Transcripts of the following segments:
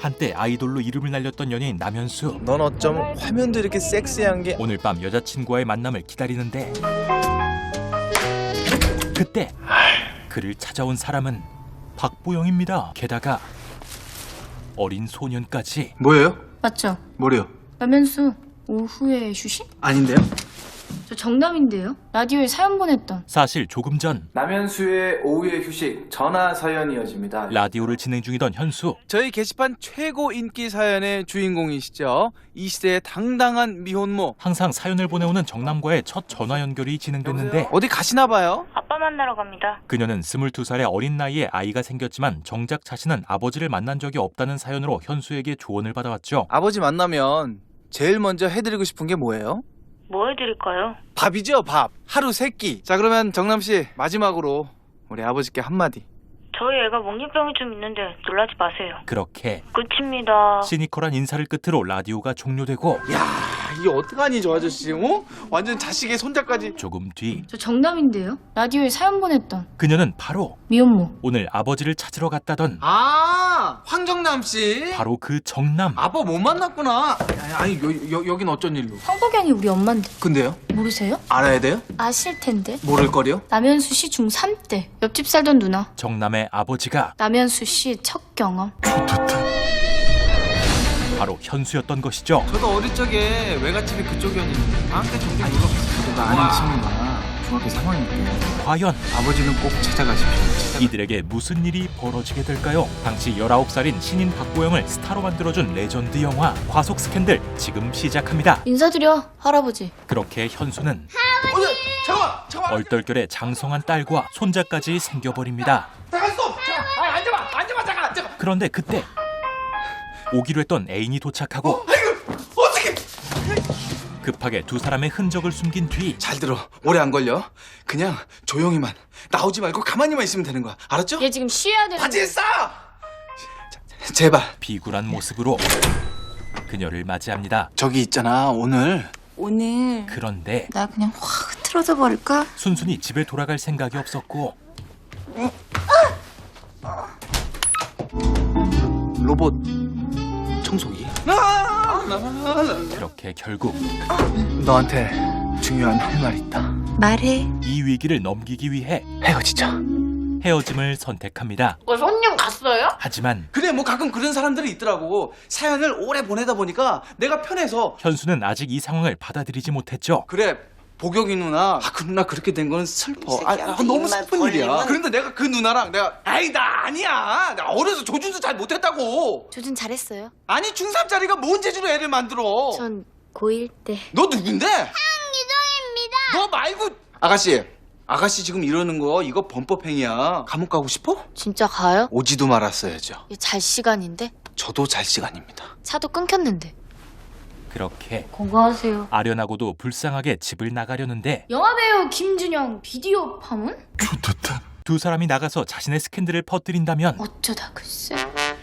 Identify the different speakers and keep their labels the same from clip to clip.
Speaker 1: 한때 아이돌로 이름을 날렸던 연예인 남현수.
Speaker 2: 넌 어쩜 화면도 이렇게 섹시한 게.
Speaker 1: 오늘 밤 여자친구와의 만남을 기다리는데 그때 그를 찾아온 사람은 박보영입니다. 게다가 어린 소년까지.
Speaker 2: 뭐예요?
Speaker 3: 맞죠?
Speaker 2: 뭐래요?
Speaker 3: 남현수 오후에 휴식?
Speaker 2: 아닌데요?
Speaker 3: 저 정남인데요. 라디오에 사연 보냈던.
Speaker 1: 사실 조금 전
Speaker 4: 남현수의 오후의 휴식 전화 사연 이어집니다.
Speaker 1: 라디오를 진행 중이던 현수.
Speaker 5: 저희 게시판 최고 인기 사연의 주인공이시죠. 이 시대의 당당한 미혼모.
Speaker 1: 항상 사연을 보내오는 정남과의 첫 전화 연결이 진행됐는데
Speaker 5: 어디 가시나 봐요?
Speaker 6: 아빠 만나러 갑니다.
Speaker 1: 그녀는 22살의 어린 나이에 아이가 생겼지만 정작 자신은 아버지를 만난 적이 없다는 사연으로 현수에게 조언을 받아왔죠.
Speaker 5: 아버지 만나면 제일 먼저 해드리고 싶은 게 뭐예요?
Speaker 6: 뭐 해드릴까요?
Speaker 5: 밥이죠, 밥. 하루 3끼. 자, 그러면 정남씨 마지막으로 우리 아버지께 한마디.
Speaker 6: 저희 애가 먹잇병이 좀 있는데 놀라지 마세요.
Speaker 1: 그렇게
Speaker 6: 끝입니다.
Speaker 1: 시니컬한 인사를 끝으로 라디오가 종료되고
Speaker 5: 야, 이게 어떡하니 저 아저씨. 어? 완전 자식의 손자까지.
Speaker 1: 조금 뒤
Speaker 3: 저 정남인데요. 라디오에 사연 보냈던
Speaker 1: 그녀는 바로
Speaker 3: 미혼모.
Speaker 1: 오늘 아버지를 찾으러 갔다던
Speaker 5: 아, 황정남씨.
Speaker 1: 바로 그 정남.
Speaker 5: 아빠 못 만났구나. 아니, 여긴 어쩐 일로?
Speaker 3: 황보경이 우리 엄마인데
Speaker 5: 근데요?
Speaker 3: 모르세요?
Speaker 5: 알아야 돼요?
Speaker 3: 아실 텐데.
Speaker 5: 모를 거리요?
Speaker 3: 남현수 씨 중3 때 옆집 살던 누나.
Speaker 1: 정남의 아버지가
Speaker 3: 남현수 씨 첫 경험.
Speaker 1: 바로 현수였던 것이죠.
Speaker 5: 저도 어릴 적에 외갓집이 그쪽이었는데 방학 때 종종 놀러 갔어요. 저도 아는 친구가 중학교 3학년
Speaker 1: 과연
Speaker 5: 아버지는 꼭 찾아가십시오.
Speaker 1: 이들에게 무슨 일이 벌어지게 될까요? 당시 19살인 신인 박보영을 스타로 만들어준 레전드 영화 과속 스캔들 지금 시작합니다.
Speaker 3: 인사드려 할아버지.
Speaker 1: 그렇게 현수는
Speaker 5: 잠깐만.
Speaker 1: 얼떨결에 장성한 딸과 손자까지 생겨버립니다.
Speaker 5: 잠깐 스톱. 앉아봐. 잠깐.
Speaker 1: 그런데 그때 오기로 했던 애인이 도착하고
Speaker 5: 어떻게?
Speaker 1: 급하게 두 사람의 흔적을 숨긴 뒤
Speaker 2: 잘 들어. 오래 안 걸려. 그냥 조용히만. 나오지 말고 가만히만 있으면 되는 거야. 알았죠?
Speaker 3: 얘 지금 쉬어야 되는.
Speaker 2: 바지에 싸! 제발.
Speaker 1: 비굴한 모습으로 그녀를 맞이합니다.
Speaker 2: 저기 있잖아. 오늘
Speaker 1: 그런데
Speaker 7: 나 그냥 확 틀어져 버릴까?
Speaker 1: 순순히 집에 돌아갈 생각이 없었고
Speaker 2: 로봇 청소기.
Speaker 1: 그렇게 결국
Speaker 2: 너한테 중요한 할 말 있다.
Speaker 7: 말해.
Speaker 1: 이 위기를 넘기기 위해
Speaker 2: 헤어지자.
Speaker 1: 헤어짐을 선택합니다.
Speaker 3: 손님 갔어요?
Speaker 1: 하지만
Speaker 2: 그래, 뭐 가끔 그런 사람들이 있더라고. 사연을 오래 보내다 보니까 내가 편해서.
Speaker 1: 현수는 아직 이 상황을 받아들이지 못했죠.
Speaker 2: 그래, 보경이 누나. 그 누나 그렇게 된 거는 슬퍼. 너무 슬픈 일이야. 그런데 내가 그 누나랑 나 아니야. 나 어려서 조준도 잘 못했다고.
Speaker 7: 조준 잘했어요.
Speaker 2: 아니, 중3짜리가 뭔 재주로 애를 만들어.
Speaker 7: 전 고1 때.
Speaker 2: 너 누군데? 황유정입니다. 너 말고. 아가씨 지금 이러는 거 이거 범법행위야. 감옥 가고 싶어?
Speaker 7: 진짜 가요?
Speaker 2: 오지도 말았어야죠.
Speaker 7: 이게 잘 시간인데?
Speaker 2: 저도 잘 시간입니다.
Speaker 7: 차도 끊겼는데.
Speaker 1: 그렇게
Speaker 3: 건강하세요.
Speaker 1: 아련하고도 불쌍하게 집을 나가려는데
Speaker 3: 영화배우 김준영 비디오 파문?
Speaker 1: 두 사람이 나가서 자신의 스캔들을 퍼뜨린다면
Speaker 3: 어쩌다 글쎄.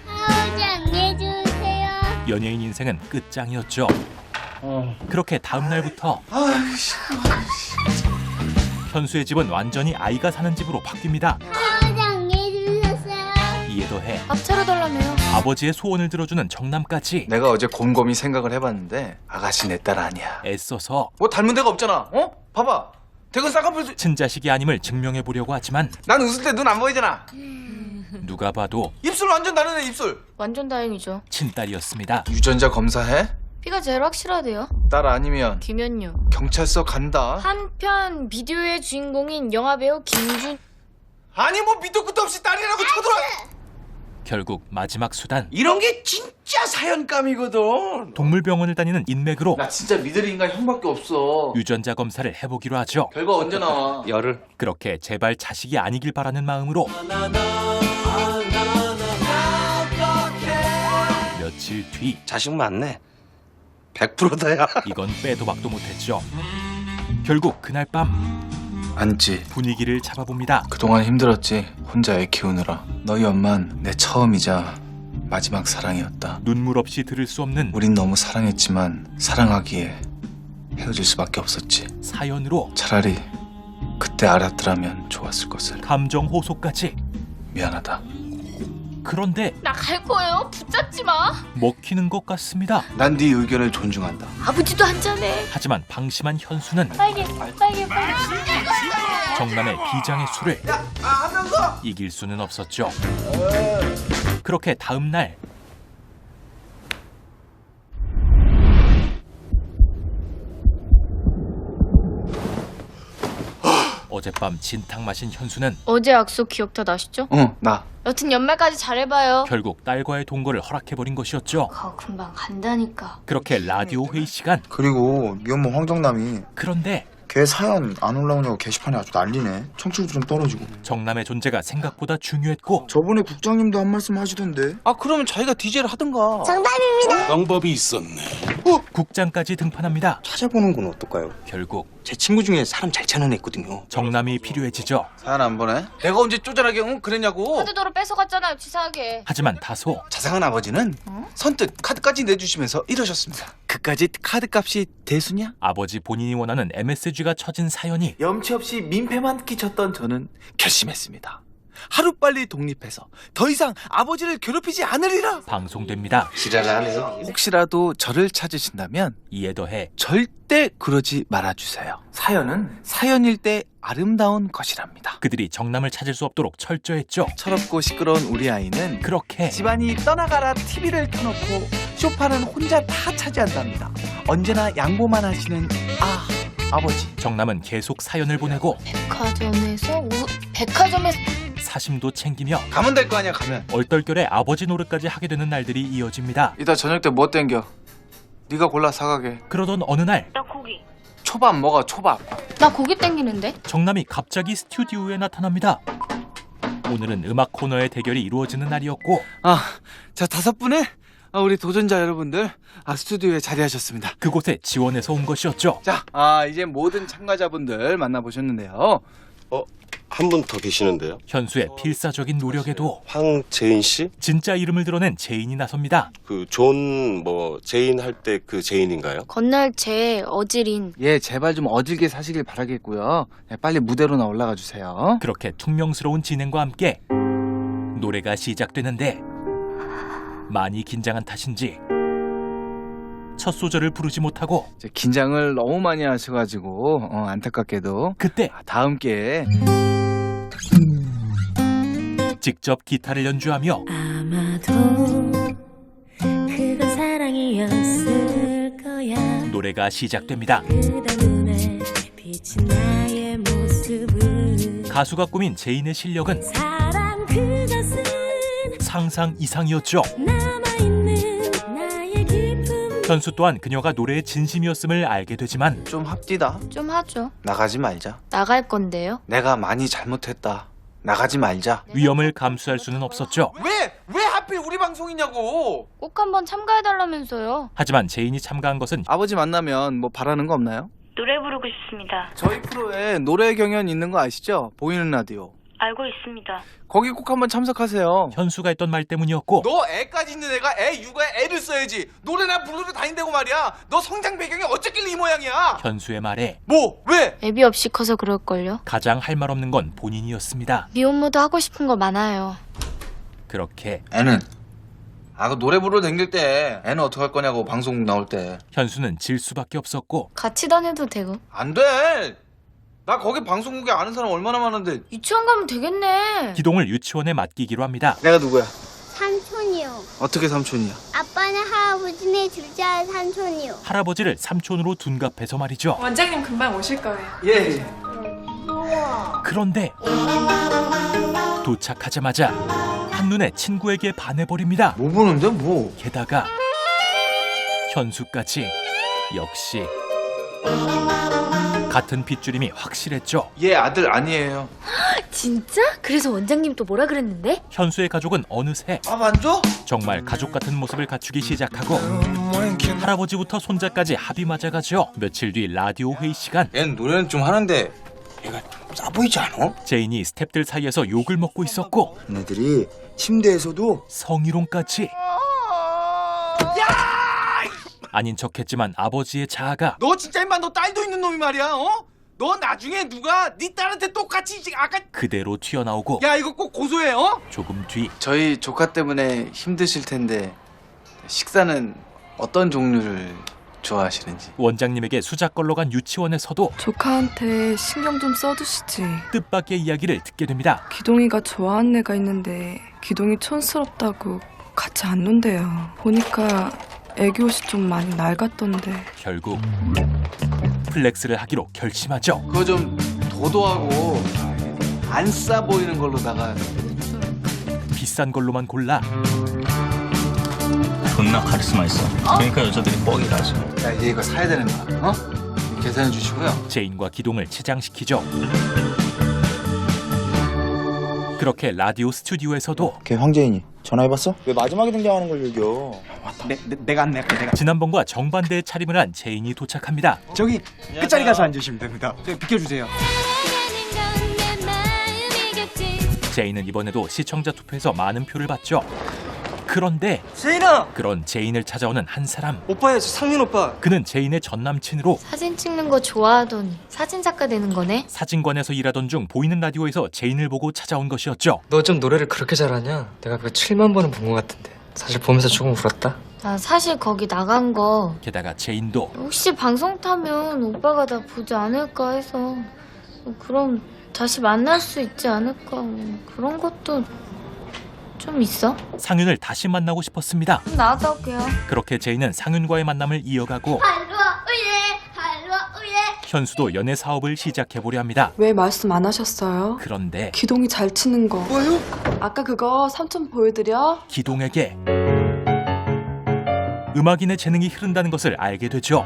Speaker 1: 연예인 인생은 끝장이었죠. 그렇게 다음 날부터 현수의 집은 완전히 아이가 사는 집으로 바뀝니다. 이에 더해
Speaker 3: 밥 차려달라며요.
Speaker 1: 아버지의 소원을 들어주는 정남까지
Speaker 2: 내가 어제 곰곰이 생각을 해봤는데 아가씨 내 딸 아니야.
Speaker 1: 애써서
Speaker 2: 뭐 닮은 데가 없잖아. 어? 봐봐. 대건 쌍꺼풀.
Speaker 1: 친자식이 아님을 증명해 보려고 하지만
Speaker 2: 난 웃을 때 눈 안 보이잖아.
Speaker 1: 누가 봐도
Speaker 2: 입술 완전 다르네, 입술.
Speaker 3: 완전 다행이죠.
Speaker 1: 친딸이었습니다.
Speaker 2: 유전자 검사해?
Speaker 3: 피가 제일 확실하대요.
Speaker 2: 딸 아니면
Speaker 3: 김현유.
Speaker 2: 경찰서 간다.
Speaker 3: 한편 비디오의 주인공인 영화배우 김준.
Speaker 2: 아니 뭐 밑도 끝도 없이 딸이라고 쳐들어.
Speaker 1: 결국 마지막 수단
Speaker 2: 이런 게 진짜 사연감이거든.
Speaker 1: 동물병원을 다니는 인맥으로
Speaker 2: 나 진짜 믿을 인간 형밖에 없어.
Speaker 1: 유전자 검사를 해보기로 하죠.
Speaker 2: 결과 언제 나와? 열흘.
Speaker 1: 그렇게 제발 자식이 아니길 바라는 마음으로 며칠 뒤
Speaker 8: 자식 맞네. 100%다야.
Speaker 1: 이건 빼도 박도 못했죠. 결국 그날 밤
Speaker 2: 안지.
Speaker 1: 분위기를 잡아봅니다.
Speaker 2: 그동안 힘들었지. 혼자 애 키우느라. 너희 엄만 내 처음이자 마지막 사랑이었다.
Speaker 1: 눈물 없이 들을 수 없는
Speaker 2: 우린 너무 사랑했지만 사랑하기에 헤어질 수밖에 없었지.
Speaker 1: 사연으로
Speaker 2: 차라리 그때 알았더라면 좋았을 것을.
Speaker 1: 감정 호소까지.
Speaker 2: 미안하다.
Speaker 1: 그런데
Speaker 3: 나 갈 거예요. 붙잡지 마.
Speaker 1: 먹히는 것 같습니다.
Speaker 2: 난 네 의견을 존중한다.
Speaker 3: 아버지도 한잔해.
Speaker 1: 하지만 방심한 현수는
Speaker 3: 빨개.
Speaker 1: 정남의 비장의 술을 이길 수는 없었죠. 그렇게 다음 날 어젯밤 진탕 마신 현수는
Speaker 3: 어제 약속 기억 다 나시죠?
Speaker 2: 나.
Speaker 3: 여튼 연말까지 잘해봐요.
Speaker 1: 결국 딸과의 동거를 허락해버린 것이었죠.
Speaker 3: 금방 간다니까.
Speaker 1: 그렇게 라디오 회의 시간.
Speaker 5: 그리고 미혼모 황정남이
Speaker 1: 그런데
Speaker 5: 걔 사연 안 올라오냐고 게시판에 아주 난리네. 청취율도 좀 떨어지고.
Speaker 1: 정남의 존재가 생각보다 중요했고
Speaker 5: 저번에 국장님도 한 말씀 하시던데.
Speaker 2: 아 그러면 자기가 DJ를 하든가.
Speaker 8: 방법이 있었네.
Speaker 1: 국장까지 등판합니다.
Speaker 8: 찾아보는 건 어떨까요?
Speaker 1: 결국
Speaker 8: 제 친구 중에 사람 잘 찾는 애 있거든요.
Speaker 1: 정남이 필요해지죠.
Speaker 2: 사연 안 보내? 내가 언제 쪼잔하게 그랬냐고.
Speaker 3: 카드도로 뺏어갔잖아요, 치사하게.
Speaker 1: 하지만 다소
Speaker 2: 자상한 아버지는 선뜻 카드까지 내주시면서 이러셨습니다. 그까지 카드값이 대수냐?
Speaker 1: 아버지 본인이 원하는 MSG가 처진 사연이
Speaker 2: 염치 없이 민폐만 끼쳤던 저는 결심했습니다. 하루빨리 독립해서 더 이상 아버지를 괴롭히지 않으리라.
Speaker 1: 방송됩니다.
Speaker 8: 지랄하네요.
Speaker 2: 혹시라도 저를 찾으신다면
Speaker 1: 이에 더해
Speaker 2: 절대 그러지 말아주세요. 사연은 사연일 때 아름다운 것이랍니다.
Speaker 1: 그들이 정남을 찾을 수 없도록 철저했죠.
Speaker 2: 철없고 시끄러운 우리 아이는
Speaker 1: 그렇게
Speaker 2: 집안이 떠나가라 TV를 켜놓고 소파는 혼자 다 차지한답니다. 언제나 양보만 하시는 아버지.
Speaker 1: 정남은 계속 사연을 보내고
Speaker 3: 백화점에서
Speaker 1: 사심도 챙기며
Speaker 2: 가면 될 거 아니야 가면.
Speaker 1: 얼떨결에 아버지 노릇까지 하게 되는 날들이 이어집니다.
Speaker 2: 이따 저녁 때 뭐 땡겨? 네가 골라 사가게.
Speaker 1: 그러던 어느 날
Speaker 6: 나 고기.
Speaker 2: 초밥 먹어 초밥.
Speaker 3: 나 고기 땡기는데?
Speaker 1: 정남이 갑자기 스튜디오에 나타납니다. 오늘은 음악 코너의 대결이 이루어지는 날이었고
Speaker 2: 자 5분의 우리 도전자 여러분들 스튜디오에 자리하셨습니다.
Speaker 1: 그곳에 지원해서 온 것이었죠.
Speaker 2: 자 이제 모든 참가자분들 만나보셨는데요.
Speaker 8: 한 분 더 계시는데요.
Speaker 1: 현수의 필사적인 노력에도
Speaker 8: 황재인 씨?
Speaker 1: 진짜 이름을 드러낸 제인이 나섭니다.
Speaker 8: 그 존 제인 할 때 그 제인인가요?
Speaker 7: 건날 제 어지린.
Speaker 2: 예 제발 좀 어질게 사시길 바라겠고요. 빨리 무대로나 올라가 주세요.
Speaker 1: 그렇게 퉁명스러운 진행과 함께 노래가 시작되는데 많이 긴장한 탓인지 첫 소절을 부르지 못하고
Speaker 2: 이제 긴장을 너무 많이 하셔가지고 안타깝게도
Speaker 1: 그때
Speaker 2: 다음 기회에
Speaker 1: 직접 기타를 연주하며
Speaker 9: 아마도 그건 사랑이었을 거야.
Speaker 1: 노래가 시작됩니다.
Speaker 9: 그대 눈에 비친 나의 모습은
Speaker 1: 가수가 꾸민 제인의 실력은
Speaker 9: 사랑 그것은
Speaker 1: 상상 이상이었죠.
Speaker 9: 남아있는 나의 기쁨.
Speaker 1: 현수 또한 그녀가 노래의 진심이었음을 알게 되지만
Speaker 2: 좀 합디다.
Speaker 7: 좀 하죠.
Speaker 2: 나가지 말자.
Speaker 7: 나갈 건데요.
Speaker 2: 내가 많이 잘못했다. 나가지 말자.
Speaker 1: 위험을 감수할 수는 없었죠.
Speaker 2: 왜 하필 우리 방송이냐고.
Speaker 3: 꼭 한번 참가해달라면서요.
Speaker 1: 하지만 제인이 참가한 것은
Speaker 2: 아버지 만나면 뭐 바라는 거 없나요?
Speaker 6: 노래 부르고 싶습니다.
Speaker 2: 저희 프로에 노래 경연 있는 거 아시죠? 보이는 라디오.
Speaker 6: 알고 있습니다.
Speaker 2: 거기 꼭 한번 참석하세요.
Speaker 1: 현수가 했던 말 때문이었고
Speaker 2: 너 애까지 있는 애가 애 육아에 애를 써야지. 노래나 부르러 다닌다고 말이야. 너 성장 배경이 어쨌길래 이 모양이야.
Speaker 1: 현수의 말에
Speaker 2: 뭐? 왜?
Speaker 7: 애비 없이 커서 그럴걸요.
Speaker 1: 가장 할 말 없는 건 본인이었습니다.
Speaker 7: 미혼모도 하고 싶은 거 많아요.
Speaker 1: 그렇게
Speaker 2: 애는? 그 노래 부르러 다닐 때 애는 어떡할 거냐고 방송 나올 때.
Speaker 1: 현수는 질 수밖에 없었고
Speaker 7: 같이 다녀도 되고.
Speaker 2: 안 돼. 나 거기 방송국에 아는 사람 얼마나 많은데.
Speaker 3: 유치원 가면 되겠네.
Speaker 1: 기동을 유치원에 맡기기로 합니다.
Speaker 2: 내가 누구야?
Speaker 10: 삼촌이요.
Speaker 2: 어떻게 삼촌이야?
Speaker 10: 아빠는 할아버지네 둘째 삼촌이요.
Speaker 1: 할아버지를 삼촌으로 둔갑해서 말이죠.
Speaker 11: 원장님 금방 오실 거예요.
Speaker 2: 예.
Speaker 1: 그런데 도착하자마자 한눈에 친구에게 반해버립니다.
Speaker 2: 뭐 보는데 뭐?
Speaker 1: 게다가 현수까지 역시 같은 빗줄임이 확실했죠.
Speaker 2: 얘 아들 아니에요.
Speaker 7: 진짜? 그래서 원장님 또 뭐라 그랬는데?
Speaker 1: 현수의 가족은 어느새
Speaker 2: 밥 안 줘?
Speaker 1: 정말 가족 같은 모습을 갖추기 시작하고 할아버지부터 손자까지 합이 맞아가죠. 며칠 뒤 라디오 회의 시간.
Speaker 2: 얘는 노래는 좀 하는데 얘가 싸 보이지 않아?
Speaker 1: 제인이 스탭들 사이에서 욕을 먹고 있었고
Speaker 5: 얘네들이 침대에서도
Speaker 1: 성희롱까지. 아닌 척했지만 아버지의 자아가
Speaker 2: 너 진짜 임마 너 딸도 있는 놈이 말이야. 너 나중에 누가 네 딸한테 똑같이 아까
Speaker 1: 그대로 튀어나오고
Speaker 2: 야 이거 꼭 고소해.
Speaker 1: 조금 뒤
Speaker 2: 저희 조카 때문에 힘드실 텐데 식사는 어떤 종류를 좋아하시는지.
Speaker 1: 원장님에게 수작걸러 간 유치원에서도
Speaker 11: 조카한테 신경 좀 써두시지.
Speaker 1: 뜻밖의 이야기를 듣게 됩니다.
Speaker 11: 기동이가 좋아하는 애가 있는데 기동이 촌스럽다고 같이 안 논대요. 보니까 애기 옷이 좀 많이 낡았던데.
Speaker 1: 결국 플렉스를 하기로 결심하죠.
Speaker 2: 그거 좀 도도하고 안 싸 보이는 걸로다가.
Speaker 1: 비싼 걸로만 골라
Speaker 5: 존나 카리스마 있어. 그러니까 여자들이 뻑이 가지.
Speaker 2: 야, 이제 이거 사야 되는 거야. 어? 계산해 주시고요.
Speaker 1: 제인과 기동을 치장시키죠. 그렇게 라디오 스튜디오에서도
Speaker 5: 걔 황재인이 전화해봤어? 왜 마지막에 등장하는 걸 얘기여?
Speaker 2: 내가
Speaker 1: 지난번과 정반대의 차림을 한 제인이 도착합니다.
Speaker 5: 저기 끝자리 가서 앉으시면 됩니다. 저기 비켜주세요.
Speaker 1: 제인은 이번에도 시청자 투표에서 많은 표를 받죠. 그런데
Speaker 5: 제인아!
Speaker 1: 그런 제인을 찾아오는 한 사람.
Speaker 5: 오빠야, 저 상윤 오빠.
Speaker 1: 그는 제인의 전 남친으로
Speaker 3: 사진 찍는 거 좋아하더니 사진작가 되는 거네?
Speaker 1: 사진관에서 일하던 중 보이는 라디오에서 제인을 보고 찾아온 것이었죠.
Speaker 12: 너 좀 노래를 그렇게 잘하냐? 내가 그거 7만 번은 본 것 같은데. 사실 보면서 조금 울었다.
Speaker 3: 나 사실 거기 나간 거
Speaker 1: 게다가 제인도
Speaker 3: 혹시 방송 타면 오빠가 나 보지 않을까 해서 그럼 다시 만날 수 있지 않을까 그런 것도 좀 있어?
Speaker 1: 상윤을 다시 만나고 싶었습니다.
Speaker 3: 나도 그요.
Speaker 1: 그렇게 제인은 상윤과의 만남을 이어가고 현수도 연애 사업을 시작해보려 합니다.
Speaker 11: 왜 말씀 안 하셨어요?
Speaker 1: 그런데
Speaker 11: 기동이 잘 치는 거. 뭐요? 아까 그거 삼촌 보여드려?
Speaker 1: 기동에게 음악인의 재능이 흐른다는 것을 알게 되죠.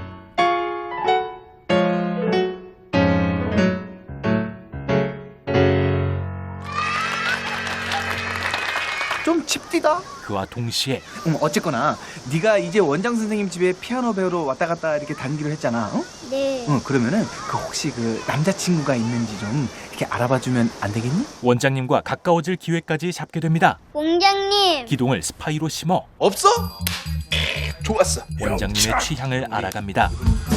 Speaker 2: 좀 칩디다.
Speaker 1: 그와 동시에
Speaker 5: 어쨌거나 네가 이제 원장 선생님 집에 피아노 배우러 왔다 갔다 이렇게 다니기로 했잖아. 어?
Speaker 10: 네.
Speaker 5: 그러면은 그 혹시 그 남자친구가 있는지 좀 이렇게 알아봐주면 안 되겠니?
Speaker 1: 원장님과 가까워질 기회까지 잡게 됩니다.
Speaker 10: 원장님.
Speaker 1: 기동을 스파이로 심어
Speaker 2: 없어? 좋았어.
Speaker 1: 원장님의 취향을 알아갑니다.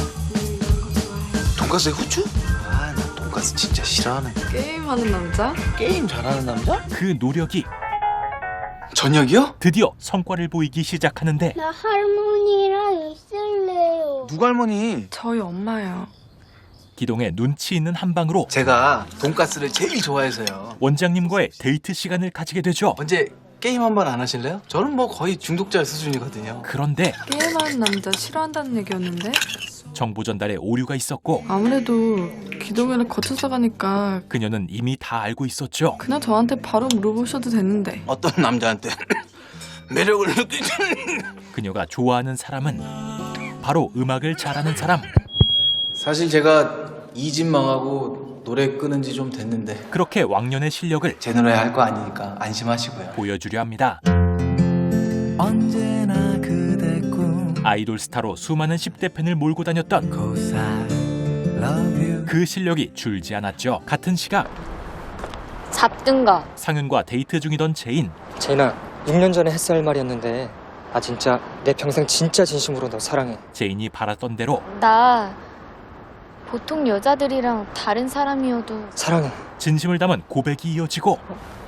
Speaker 2: 돈가스에 후추? 아, 나 돈가스 진짜 싫어하네.
Speaker 11: 게임하는 남자?
Speaker 2: 게임 잘하는 남자?
Speaker 1: 그 노력이
Speaker 2: 저녁이요?
Speaker 1: 드디어 성과를 보이기 시작하는데
Speaker 10: 나 할머니랑 있을래요.
Speaker 2: 누가 할머니?
Speaker 11: 저희 엄마요.
Speaker 1: 기동의 눈치 있는 한방으로
Speaker 2: 제가 돈가스를 제일 좋아해서요.
Speaker 1: 원장님과의 데이트 시간을 가지게 되죠.
Speaker 2: 언제 게임 한번 안 하실래요? 저는 뭐 거의 중독자 수준이거든요.
Speaker 1: 그런데
Speaker 11: 게임하는 남자 싫어한다는 얘기였는데?
Speaker 1: 정보 전달에 오류가 있었고
Speaker 11: 아무래도 기동이랑 거쳐서 가니까
Speaker 1: 그녀는 이미 다 알고 있었죠.
Speaker 11: 그냥 저한테 바로 물어보셔도 되는데.
Speaker 2: 어떤 남자한테 매력을 느끼지?
Speaker 1: 그녀가 좋아하는 사람은 바로 음악을 잘하는 사람.
Speaker 2: 사실 제가 이 집 망하고 노래 끊은 지 좀 됐는데
Speaker 1: 그렇게 왕년의 실력을
Speaker 2: 제 노래 할 거 아니니까 안심하시고요.
Speaker 1: 보여주려 합니다.
Speaker 5: 언제나 그대 꿈
Speaker 1: 아이돌 스타로 수많은 10대 팬을 몰고 다녔던
Speaker 5: Cause I love you.
Speaker 1: 그 실력이 줄지 않았죠. 같은 시각
Speaker 3: 잡든가.
Speaker 1: 상윤과 데이트 중이던 제인.
Speaker 12: 제인아, 6년 전에 했어야 할 말이었는데 아 진짜 내 평생 진짜 진심으로 너 사랑해.
Speaker 1: 제인이 바랐던 대로
Speaker 3: 나 보통 여자들이랑 다른 사람이어도
Speaker 12: 사랑해.
Speaker 1: 진심을 담은 고백이 이어지고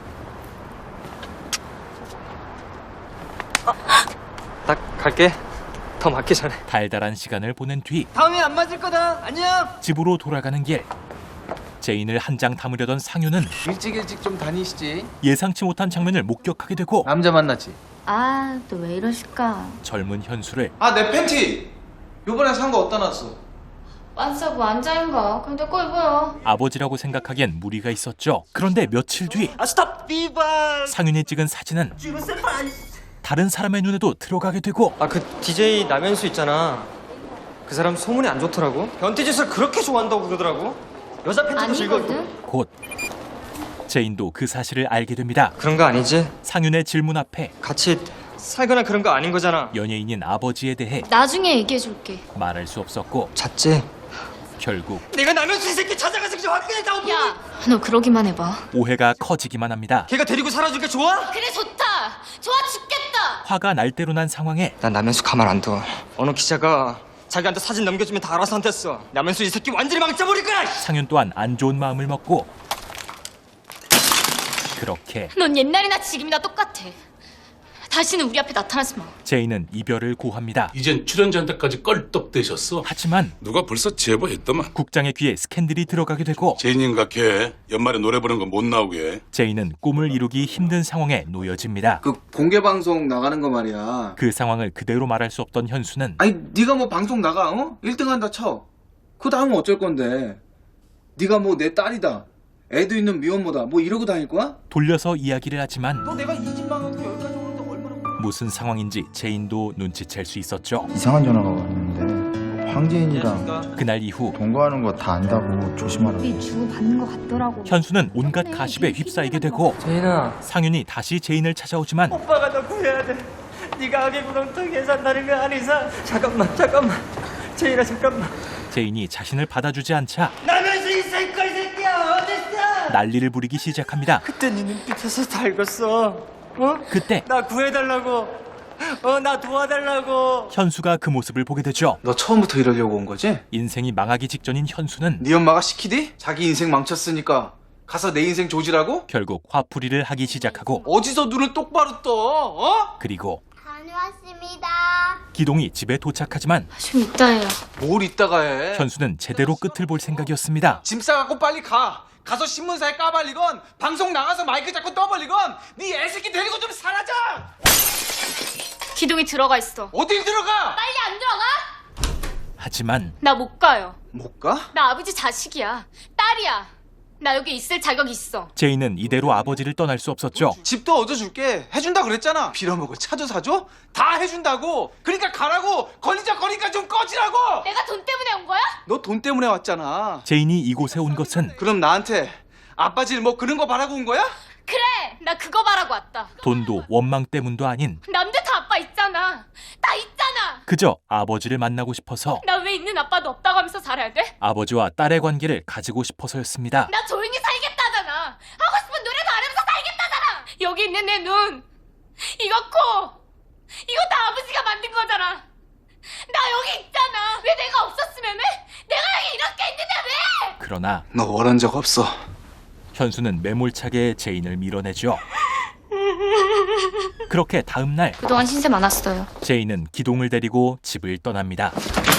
Speaker 12: 딱 갈게. 더 맞기 전에.
Speaker 1: 달달한 시간을 보낸 뒤
Speaker 5: 다음에 안 맞을 거다. 안녕.
Speaker 1: 집으로 돌아가는 길. 제인을 한 장 담으려던 상윤은
Speaker 2: 일찍 좀 다니시지.
Speaker 1: 예상치 못한 장면을 목격하게 되고
Speaker 2: 남자 만났지.
Speaker 3: 아, 또 왜 이러실까?
Speaker 1: 젊은 현수를
Speaker 2: 아, 내 팬티. 요번에 산 거 어디다 놨어?
Speaker 3: 완싸고 완자인가? 근데 거 입어요.
Speaker 1: 아버지라고 생각하기엔 무리가 있었죠. 그런데 며칠 뒤
Speaker 5: 스탑 비바.
Speaker 1: 상윤이 찍은 사진은 다른 사람의 눈에도 들어가게 되고
Speaker 12: 아 그 DJ 남현수 있잖아. 그 사람 소문이 안 좋더라고. 변태짓을 그렇게 좋아한다고 그러더라고. 여자 팬티도 즐거워.
Speaker 3: 아니거든?
Speaker 1: 곧 제인도 그 사실을 알게 됩니다.
Speaker 12: 그런 거 아니지?
Speaker 1: 상윤의 질문 앞에
Speaker 12: 같이 살거나 그런 거 아닌 거잖아.
Speaker 1: 연예인인 아버지에 대해
Speaker 3: 나중에 얘기해줄게.
Speaker 1: 말할 수 없었고
Speaker 12: 잤지?
Speaker 1: 결국
Speaker 12: 내가 남현수 이 새끼 찾아가서 그냥 화끈했다고.
Speaker 3: 야, 너 그러기만 해봐.
Speaker 1: 오해가 커지기만 합니다.
Speaker 12: 걔가 데리고 살아주니까 좋아?
Speaker 3: 그래 좋다. 좋아 죽겠다.
Speaker 1: 화가 날 대로 난 상황에
Speaker 12: 난 남현수 가만 안 둬. 어느 기자가 자기한테 사진 넘겨주면 다 알아서 한댔어. 남현수 이 새끼 완전히 망쳐버릴 거야.
Speaker 1: 상윤 또한 안 좋은 마음을 먹고 그렇게
Speaker 3: 넌 옛날이나 지금이나 똑같아.
Speaker 7: 다시는 우리 앞에 나타나지 마.
Speaker 1: 제인은 이별을 고합니다.
Speaker 13: 이젠 출연자한테까지 껄떡대셨어.
Speaker 1: 하지만
Speaker 13: 누가 벌써 제보했더만.
Speaker 1: 국장의 귀에 스캔들이 들어가게 되고
Speaker 13: 제인인가 걔 연말에 노래 부르는 거 못 나오게.
Speaker 1: 제인은 꿈을 이루기 힘든 상황에 놓여집니다.
Speaker 2: 그 공개 방송 나가는 거 말이야.
Speaker 1: 그 상황을 그대로 말할 수 없던 현수는
Speaker 2: 아니 네가 뭐 방송 나가, 어? 1등 한다 쳐. 그 다음은 어쩔 건데? 네가 뭐 내 딸이다, 애도 있는 미혼모다, 뭐 이러고 다닐 거야?
Speaker 1: 돌려서 이야기를 하지만
Speaker 2: 너 내가 이 집 망하고 여기까지 오는데 얼마나...
Speaker 1: 무슨 상황인지 제인도 눈치챌 수 있었죠.
Speaker 5: 이상한 전화가 왔는데 황재인이랑
Speaker 1: 그날 이후
Speaker 5: 동거하는 거 다 안다고 조심하라고.
Speaker 3: 주고 받는 것 같더라고.
Speaker 1: 현수는 온갖 가십에 휩싸이게 되고
Speaker 12: 제인아,
Speaker 1: 상윤이 다시 제인을 찾아오지만
Speaker 12: 오빠가 너 구해야 돼. 네가 악의 구렁텅이에 산다는 거 아는 이상. 잠깐만. 제인아, 잠깐만.
Speaker 1: 제인이 자신을 받아주지 않자
Speaker 12: 나면서 이 새끼 새끼야 어딨어?
Speaker 1: 난리를 부리기 시작합니다.
Speaker 12: 그때 네 눈빛에서 다 읽었어. 어?
Speaker 1: 그때
Speaker 12: 나 구해달라고. 나 도와달라고.
Speaker 1: 현수가 그 모습을 보게 되죠.
Speaker 2: 너 처음부터 이러려고 온 거지?
Speaker 1: 인생이 망하기 직전인 현수는
Speaker 2: 네 엄마가 시키디? 자기 인생 망쳤으니까 가서 내 인생 조지라고?
Speaker 1: 결국 화풀이를 하기 시작하고
Speaker 2: 어디서 눈을 똑바로 떠? 어?
Speaker 1: 그리고
Speaker 10: 다녀왔습니다.
Speaker 1: 기동이 집에 도착하지만
Speaker 3: 좀 이따 해요.
Speaker 2: 뭘 이따가 해?
Speaker 1: 현수는 제대로 끝을 볼 생각이었습니다.
Speaker 2: 짐 싸갖고 빨리 가. 가서 신문사에 까발리건 방송 나가서 마이크 잡고 떠벌리건 네 애새끼 데리고 좀 사라져.
Speaker 7: 기동이 들어가 있어.
Speaker 2: 어딜 들어가?
Speaker 7: 빨리 안 들어가?
Speaker 1: 하지만
Speaker 7: 나 못 가요.
Speaker 2: 못 가?
Speaker 7: 나 아버지 자식이야. 딸이야. 나 여기 있을 자격 있어.
Speaker 1: 제인은 이대로 아버지를 떠날 수 없었죠.
Speaker 2: 집도 얻어줄게. 해준다 그랬잖아. 빌어먹을 차도 사줘? 다 해준다고. 그러니까 가라고. 걸리니까 좀 꺼지라고.
Speaker 7: 내가 돈 때문에 온 거야?
Speaker 2: 너 돈 때문에 왔잖아.
Speaker 1: 제인이 이곳에 온 것은
Speaker 2: 그럼 나한테 아빠 질 뭐 그런 거 바라고 온 거야?
Speaker 7: 그래. 나 그거 바라고 왔다.
Speaker 1: 돈도 원망 때문도 아닌
Speaker 7: 남들 다 아빠 있잖아. 다 있잖아.
Speaker 1: 그저 아버지를 만나고 싶어서
Speaker 7: 나 왜 있는 아빠도 없다고 하면서 살아야 돼?
Speaker 1: 아버지와 딸의 관계를 가지고 싶어서였습니다.
Speaker 7: 나 조용히 살겠다잖아. 하고 싶은 노래도 안 하면서 살겠다잖아. 여기 있는 내 눈, 이거 코, 이거 다 아버지가 만든 거잖아. 나 여기 있잖아. 왜 내가 없었으면 해? 내가 여기 이렇게 있는데 왜?
Speaker 1: 그러나
Speaker 2: 너 원한 적 없어.
Speaker 1: 현수는 매몰차게 제인을 밀어내죠. 그렇게 다음 날
Speaker 3: 그동안 신세 많았어요.
Speaker 1: 제인은 기동을 데리고 집을 떠납니다.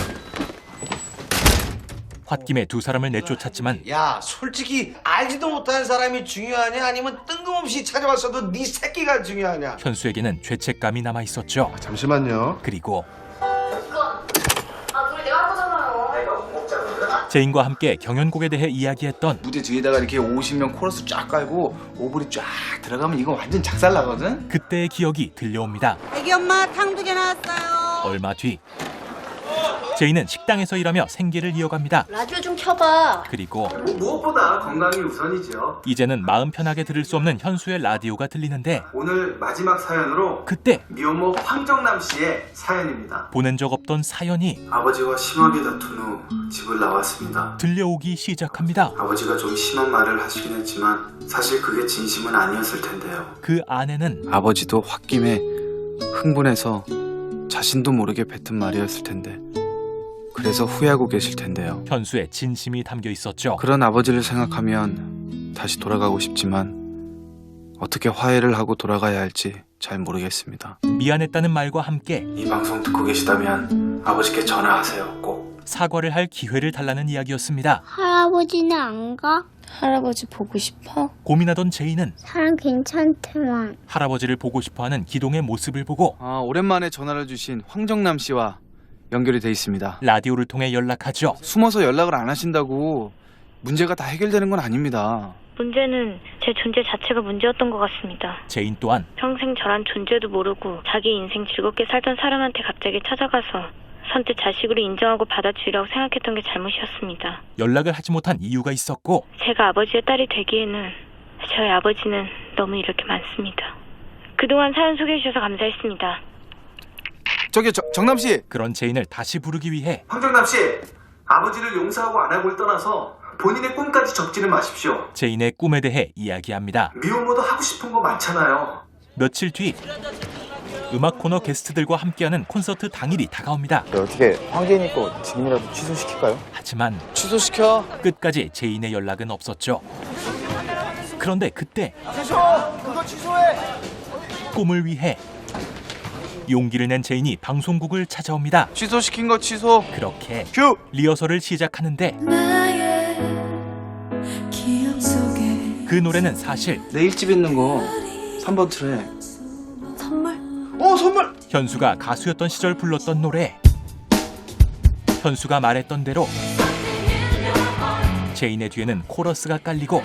Speaker 1: 홧김에 두 사람을 내쫓았지만
Speaker 14: 야, 솔직히 알지도 못하는 사람이 중요하냐 아니면 뜬금없이 찾아왔어도 네 새끼가 중요하냐?
Speaker 1: 현수에게는 죄책감이 남아 있었죠.
Speaker 14: 잠시만요.
Speaker 1: 그리고
Speaker 7: 노래 내가 할 거잖아요.
Speaker 1: 제인과 함께 경연곡에 대해 이야기했던
Speaker 2: 무대 뒤에다가 이렇게 50명 코러스 쫙 깔고 오브리 쫙 들어가면 이거 완전 작살 나거든?
Speaker 1: 그때의 기억이 들려옵니다.
Speaker 15: 애기 엄마 탕 2개 나왔어요.
Speaker 1: 얼마 뒤 제인은 식당에서 일하며 생계를 이어갑니다.
Speaker 7: 라디오 좀 켜봐.
Speaker 1: 그리고
Speaker 4: 무엇보다 건강이 우선이죠.
Speaker 1: 이제는 마음 편하게 들을 수 없는 현수의 라디오가 들리는데
Speaker 4: 오늘 마지막 사연으로
Speaker 1: 그때
Speaker 4: 미혼모 황정남 씨의 사연입니다.
Speaker 1: 보낸 적 없던 사연이
Speaker 4: 아버지와 심하게 다툰 후 집을 나왔습니다.
Speaker 1: 들려오기 시작합니다.
Speaker 4: 아버지가 좀 심한 말을 하시긴 했지만 사실 그게 진심은 아니었을 텐데요.
Speaker 1: 그 안에는
Speaker 2: 아버지도 홧김에 흥분해서 자신도 모르게 뱉은 말이었을 텐데 그래서 후회하고 계실 텐데요.
Speaker 1: 현수의 진심이 담겨 있었죠.
Speaker 2: 그런 아버지를 생각하면 다시 돌아가고 싶지만 어떻게 화해를 하고 돌아가야 할지 잘 모르겠습니다.
Speaker 1: 미안했다는 말과 함께
Speaker 4: 이 방송 듣고 계시다면 아버지께 전화하세요. 꼭.
Speaker 1: 사과를 할 기회를 달라는 이야기였습니다.
Speaker 10: 할아버지는 안 가?
Speaker 3: 할아버지 보고 싶어?
Speaker 1: 고민하던 제인은
Speaker 10: 사람 괜찮대만.
Speaker 1: 할아버지를 보고 싶어하는 기동의 모습을 보고
Speaker 2: 오랜만에 전화를 주신 황정남 씨와 연결이 돼 있습니다.
Speaker 1: 라디오를 통해 연락하죠.
Speaker 2: 숨어서 연락을 안 하신다고 문제가 다 해결되는 건 아닙니다.
Speaker 6: 문제는 제 존재 자체가 문제였던 것 같습니다.
Speaker 1: 제인 또한
Speaker 6: 평생 저란 존재도 모르고 자기 인생 즐겁게 살던 사람한테 갑자기 찾아가서 선뜻 자식으로 인정하고 받아주리라고 생각했던 게 잘못이었습니다.
Speaker 1: 연락을 하지 못한 이유가 있었고
Speaker 6: 제가 아버지의 딸이 되기에는 저희 아버지는 너무 이럴 게 많습니다. 그동안 사연 소개해 주셔서 감사했습니다.
Speaker 2: 저기 정남 씨.
Speaker 1: 그런 제인을 다시 부르기 위해
Speaker 4: 황정남 씨, 아버지를 용서하고 안 하고를 떠나서 본인의 꿈까지 적지는 마십시오.
Speaker 1: 제인의 꿈에 대해 이야기합니다.
Speaker 4: 미혼모도 하고 싶은 거 많잖아요.
Speaker 1: 며칠 뒤 음악 코너 게스트들과 함께하는 콘서트 당일이 다가옵니다.
Speaker 5: 어떻게 황재인이 거 지금이라도 취소시킬까요?
Speaker 1: 하지만
Speaker 2: 취소시켜.
Speaker 1: 끝까지 제인의 연락은 없었죠. 그런데 그때
Speaker 14: 그거 취소해.
Speaker 1: 꿈을 위해 용기를 낸 제인이 방송국을 찾아옵니다.
Speaker 2: 취소시킨 거 취소.
Speaker 1: 그렇게
Speaker 2: 큐!
Speaker 1: 리허설을 시작하는데
Speaker 9: 기억 속에
Speaker 1: 그 노래는 사실
Speaker 2: 내 1집 있는 거 3번 트랙.
Speaker 9: 선물?
Speaker 2: 선물!
Speaker 1: 현수가 가수였던 시절 불렀던 노래. 현수가 말했던 대로 제인의 뒤에는 코러스가 깔리고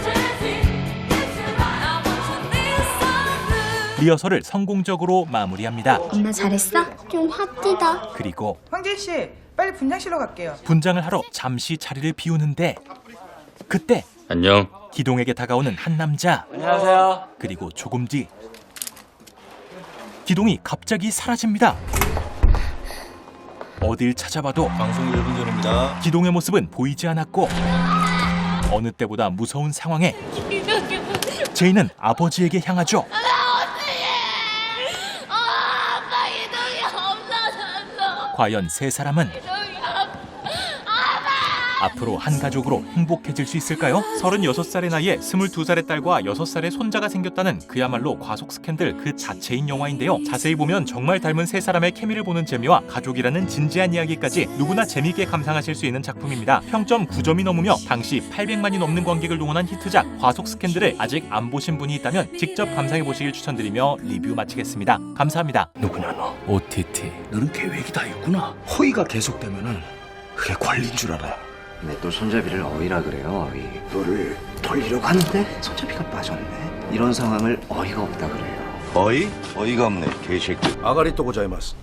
Speaker 1: 리허설을 성공적으로 마무리합니다.
Speaker 10: 엄마 잘했어? 좀 핫디다.
Speaker 1: 그리고
Speaker 15: 황진 씨, 빨리 분장실로 갈게요.
Speaker 1: 분장을 하러 잠시 자리를 비우는데 그때
Speaker 16: 안녕.
Speaker 1: 기동에게 다가오는 한 남자.
Speaker 12: 안녕하세요.
Speaker 1: 그리고 조금 뒤 기동이 갑자기 사라집니다. 어딜 찾아봐도
Speaker 16: 방송 1분 전입니다.
Speaker 1: 기동의 모습은 보이지 않았고 어느 때보다 무서운 상황에 제인은 아버지에게 향하죠.
Speaker 7: 아빠 이동이 없어졌어.
Speaker 1: 과연 세 사람은 앞으로 한 가족으로 행복해질 수 있을까요? 36살의 나이에 22살의 딸과 6살의 손자가 생겼다는 그야말로 과속 스캔들 그 자체인 영화인데요. 자세히 보면 정말 닮은 세 사람의 케미를 보는 재미와 가족이라는 진지한 이야기까지 누구나 재미있게 감상하실 수 있는 작품입니다. 평점 9점이 넘으며 당시 800만이 넘는 관객을 동원한 히트작 과속 스캔들을 아직 안 보신 분이 있다면 직접 감상해 보시길 추천드리며 리뷰 마치겠습니다. 감사합니다.
Speaker 14: 누구냐 너?
Speaker 1: OTT.
Speaker 14: 너는 계획이 다 있구나. 허위가 계속되면은 그게 권리인 줄 알아.
Speaker 17: 근데 또 손잡이를 어이라 그래요. 어이.
Speaker 14: 너를 돌리려고 하는데 손잡이가 빠졌네.
Speaker 17: 이런 상황을 어이가 없다 그래요.
Speaker 14: 어이? 어이가 없네 개새끼. 아가리 또 고자이마스.